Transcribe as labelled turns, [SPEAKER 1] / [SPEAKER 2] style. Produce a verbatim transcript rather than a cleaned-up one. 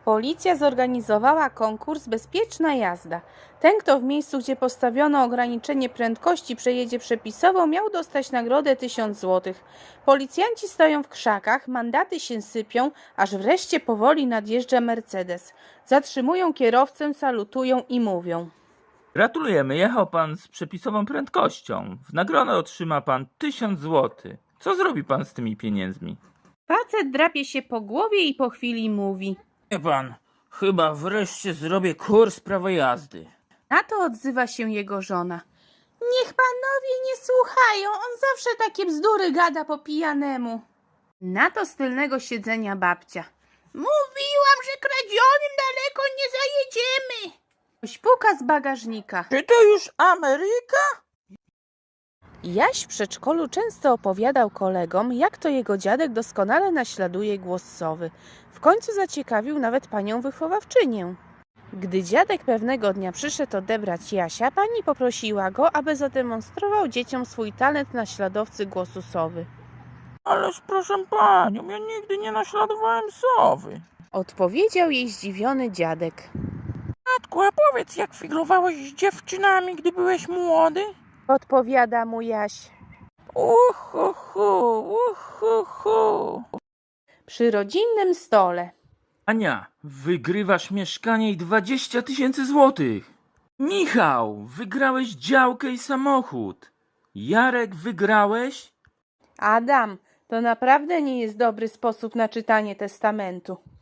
[SPEAKER 1] Policja zorganizowała konkurs Bezpieczna jazda. Ten, kto w miejscu, gdzie postawiono ograniczenie prędkości, przejedzie przepisowo, miał dostać nagrodę tysiąc złotych. Policjanci stoją w krzakach, mandaty się sypią, aż wreszcie powoli nadjeżdża Mercedes. Zatrzymują kierowcę, salutują i mówią:
[SPEAKER 2] Gratulujemy, jechał pan z przepisową prędkością. W nagrodę otrzyma pan tysiąc złotych. Co zrobi pan z tymi pieniędzmi?
[SPEAKER 1] Facet drapie się po głowie i po chwili mówi:
[SPEAKER 2] Wie pan, chyba wreszcie zrobię kurs prawa jazdy.
[SPEAKER 1] Na to odzywa się jego żona: niech panowie nie słuchają, on zawsze takie bzdury gada po pijanemu. Na to z tylnego siedzenia babcia: mówiłam, że kradzionym daleko nie zajedziemy. Ktoś puka z bagażnika.
[SPEAKER 2] Czy to już Ameryka?
[SPEAKER 1] Jaś w przedszkolu często opowiadał kolegom, jak to jego dziadek doskonale naśladuje głos sowy. W końcu zaciekawił nawet panią wychowawczynię. Gdy dziadek pewnego dnia przyszedł odebrać Jasia, pani poprosiła go, aby zademonstrował dzieciom swój talent naśladowcy głosu sowy.
[SPEAKER 2] Ależ proszę panią, ja nigdy nie naśladowałem sowy.
[SPEAKER 1] Odpowiedział jej zdziwiony dziadek.
[SPEAKER 2] Matku, a powiedz, jak figlowałeś z dziewczynami, gdy byłeś młody?
[SPEAKER 1] Odpowiada mu Jaś.
[SPEAKER 2] Uhuhu, uhuhu.
[SPEAKER 1] Przy rodzinnym stole.
[SPEAKER 2] Ania, wygrywasz mieszkanie i dwadzieścia tysięcy złotych. Michał, wygrałeś działkę i samochód. Jarek, wygrałeś?
[SPEAKER 1] Adam, to naprawdę nie jest dobry sposób na czytanie testamentu.